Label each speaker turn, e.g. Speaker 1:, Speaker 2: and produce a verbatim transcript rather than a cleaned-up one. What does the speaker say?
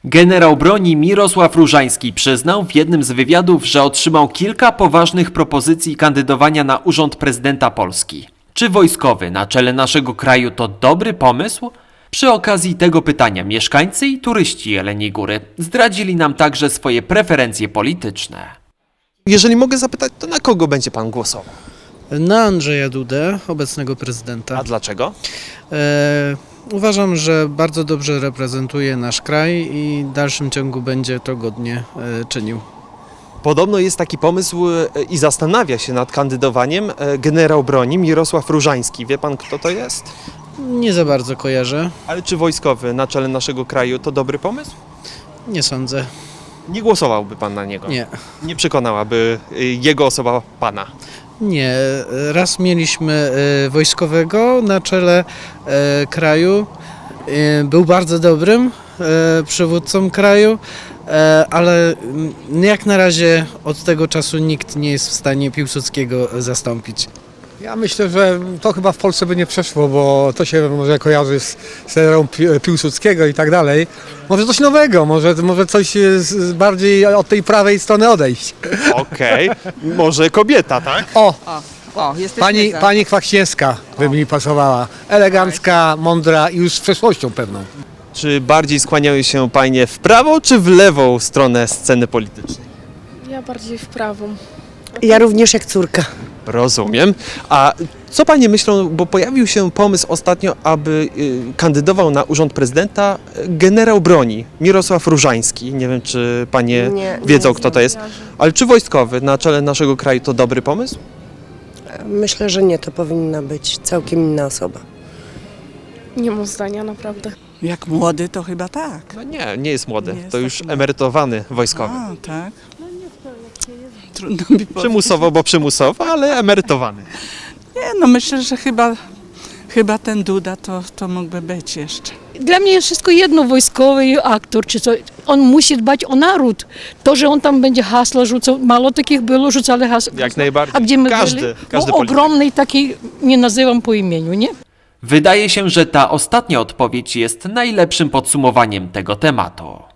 Speaker 1: Generał broni Mirosław Różański przyznał w jednym z wywiadów, że otrzymał kilka poważnych propozycji kandydowania na urząd prezydenta Polski. Czy wojskowy na czele naszego kraju to dobry pomysł? Przy okazji tego pytania mieszkańcy i turyści Jeleniej Góry zdradzili nam także swoje preferencje polityczne.
Speaker 2: Jeżeli mogę zapytać, to na kogo będzie pan głosował?
Speaker 3: Na Andrzeja Dudę, obecnego prezydenta.
Speaker 2: A dlaczego?
Speaker 3: E, uważam, że bardzo dobrze reprezentuje nasz kraj i w dalszym ciągu będzie to godnie e, czynił.
Speaker 2: Podobno jest taki pomysł e, i zastanawia się nad kandydowaniem e, generał broni Mirosław Różański. Wie pan, kto to jest?
Speaker 3: Nie za bardzo kojarzę,
Speaker 2: Ale czy wojskowy na czele naszego kraju to dobry pomysł?
Speaker 3: nie sądzę.
Speaker 2: Nie głosowałby pan na niego?
Speaker 3: Nie.
Speaker 2: Nie przekonałaby e, jego osoba pana?
Speaker 3: Nie, raz mieliśmy e, wojskowego na czele e, kraju, e, był bardzo dobrym e, przywódcą kraju, e, ale mm, jak na razie od tego czasu nikt nie jest w stanie Piłsudskiego zastąpić.
Speaker 4: Ja myślę, że to chyba w Polsce by nie przeszło, bo to się może kojarzy z, z erą Pi- Piłsudskiego i tak dalej. Może coś nowego, może, może coś z, z bardziej od tej prawej strony odejść.
Speaker 2: Okej, może kobieta, tak?
Speaker 4: O,
Speaker 5: O, jesteśmy
Speaker 4: pani,
Speaker 5: za.
Speaker 4: pani Kwachcińska by mi pasowała. Elegancka, mądra i już z przeszłością pewną.
Speaker 2: Czy bardziej skłaniają się panie w prawo czy w lewą stronę sceny politycznej?
Speaker 6: Ja bardziej w prawą.
Speaker 7: Ja również jak córka.
Speaker 2: Rozumiem. A co panie myślą, bo pojawił się pomysł ostatnio, aby y, kandydował na urząd prezydenta generał broni Mirosław Różański. Nie wiem, czy panie
Speaker 7: Nie,
Speaker 2: wiedzą,
Speaker 7: nie
Speaker 2: kto to jest. Ale czy wojskowy na czele naszego kraju to dobry pomysł?
Speaker 7: Myślę, że nie, to powinna być całkiem inna osoba.
Speaker 6: Nie mam zdania, naprawdę.
Speaker 5: Jak młody, to chyba tak.
Speaker 2: No nie, nie jest młody.
Speaker 5: Nie jest
Speaker 2: to już
Speaker 5: taki młody.
Speaker 2: emerytowany wojskowy.
Speaker 5: A, tak. Trudno mi powiedzieć.
Speaker 2: Przymusowo, bo przymusowo, ale emerytowany.
Speaker 5: Nie, no myślę, że chyba, chyba ten Duda to, to mógłby być jeszcze.
Speaker 8: Dla mnie jest wszystko jedno, wojskowy aktor czy co. On musi dbać o naród. To, że on tam będzie hasła rzucał, mało takich było, rzucali hasła.
Speaker 2: Jak najbardziej.
Speaker 8: A gdzie my
Speaker 2: Każdy,
Speaker 8: byli?
Speaker 2: każdy
Speaker 8: No,
Speaker 2: polityk.
Speaker 8: ogromny taki, nie nazywam po imieniu, nie?
Speaker 1: Wydaje się, że ta ostatnia odpowiedź jest najlepszym podsumowaniem tego tematu.